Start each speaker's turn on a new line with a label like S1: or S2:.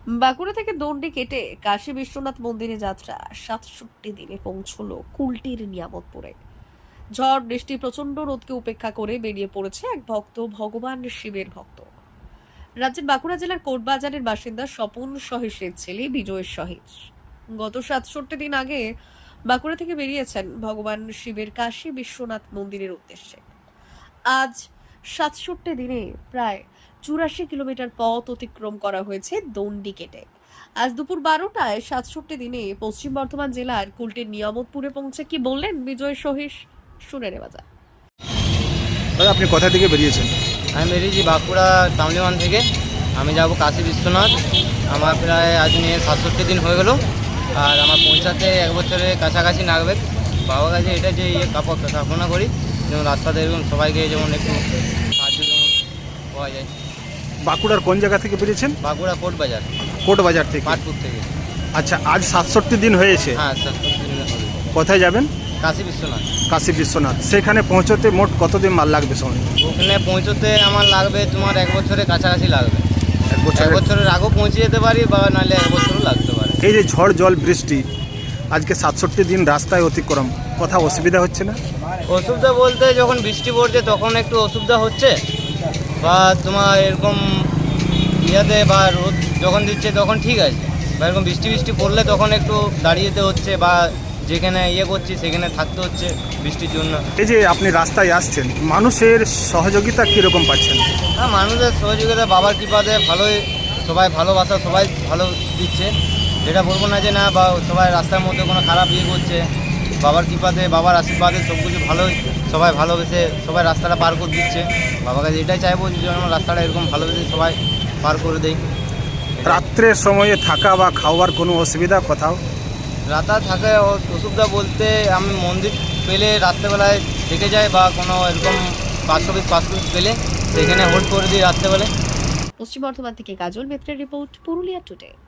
S1: বাঁকুড়া থেকে দণ্ডি কেটে কাশী বিশ্বনাথ মন্দিরে যাত্রা ৬৭ দিনে পৌঁছলো কুলটির নিয়ামতপুরে। ঝড় বৃষ্টি প্রচন্ড রোদকে উপেক্ষা করে বেরিয়ে পড়েছে এক ভক্ত, ভগবান শিবের ভক্ত। রাজ্যের বাঁকুড়া জেলার কোটবাজারের বাসিন্দা স্বপন সহিসের ছেলে বিজয় সহিস গত ৬৭ দিন আগে বাঁকুড়া থেকে বেরিয়েছেন ভগবান শিবের কাশী বিশ্বনাথ মন্দিরের উদ্দেশ্যে। আজ ৬৭ দিনে প্রায় ৮৪ কিলোমিটার পথ অতিক্রম করা হয়েছে দণ্ডি কেটে। আজ দুপুর ১২টায় ৬৭ দিনে পশ্চিম বর্ধমান জেলার কুলটির নিয়ামতপুরে পৌঁছে কি বললেন বিজয় সহিস, শুনে নেওয়া যাক।
S2: দাদা, আপনি কোথা থেকে বেরিয়েছেন?
S3: আমি বেরিয়েছি বাঁকুড়া টাউনওয়ান থেকে। আমি যাব কাশী বিশ্বনাথ। আমার প্রায় আজ নিয়ে ৬৭ দিন হয়ে গেল, আর আমার পৌঁছাতে ১ বছরের কাছাকাছি লাগবে। বাবার কাছে এটা যে কামনা করি যেমন রাস্তাতে এরকম সবাইকে যেমন একটু সাহায্য যেমন পাওয়া যায়।
S2: বাঁকুড়ার কোন জায়গা থেকে বেরিয়েছেন?
S3: বাঁকুড়া কোটবাজার,
S2: কোটবাজার থেকে।
S3: পাটপুর থেকে।
S2: আচ্ছা, আজ ৬৭ দিন হয়েছে।
S3: হ্যাঁ, ৬৭ দিন হবে।
S2: কোথায় যাবেন?
S3: কাশী বিশ্বনাথ।
S2: কাশী বিশ্বনাথ। সেখানে পৌঁছতে মোট কতদিন মাল লাগবে সময়?
S3: ওখানে পৌঁছতে আমার লাগবে তোমার ১ বছরের কাছাকাছি লাগবে।
S2: ১ বছর।
S3: ১ বছরের আগেও পৌঁছে যেতে পারি বা নাহলে ১ বছরও লাগতে পারে।
S2: এই যে ঝড় জল বৃষ্টি, আজকে ৬৭ দিন রাস্তায় অতিক্রম, কোথাও অসুবিধা হচ্ছে না?
S3: অসুবিধা বলতে যখন বৃষ্টি পড়ছে তখন একটু অসুবিধা হচ্ছে, বা তোমার এরকম ইয়াতে বা রোদ যখন দিচ্ছে তখন ঠিক আছে, বা এরকম বৃষ্টি পড়লে তখন একটু দাঁড়িয়ে যেতে হচ্ছে, বা যেখানে করছি সেখানে থাকতে হচ্ছে বৃষ্টির জন্য।
S2: এই যে আপনি রাস্তায় আসছেন, মানুষের সহযোগিতা কীরকম পাচ্ছেন?
S3: হ্যাঁ, মানুষের সহযোগিতা বাবার কৃপাতে ভালোই, সবাই ভালোবাসা সবাই ভালো দিচ্ছে। যেটা বলবো না যে না, বা সবাই রাস্তার মধ্যে কোনো খারাপ করছে, বাবার কৃপাতে বাবার আশীর্বাদে সব কিছু ভালোই, সবাই ভালোবেসে সবাই রাস্তাটা পার করে দিচ্ছে। বাবার কাছে এটাই চাইবো যে যেন রাস্তাটা এরকম ভালোবেসে সবাই পার করে দেয়।
S2: রাত্রের সময়ে থাকা বা খাওয়ার কোনো অসুবিধা কোথাও?
S3: রাতা থাকে অসুবিধা বলতে আমি মন্দির পেলে রাত্রেবেলায় থেকে যাই, বা কোনো এরকম পাঁচ পিস পেলে সেখানে হোল্ড করে দিই রাত্রেবেলায়।
S1: পশ্চিম বর্ধমান থেকে কাজল মিত্রের রিপোর্ট, পুরুলিয়া টুডে।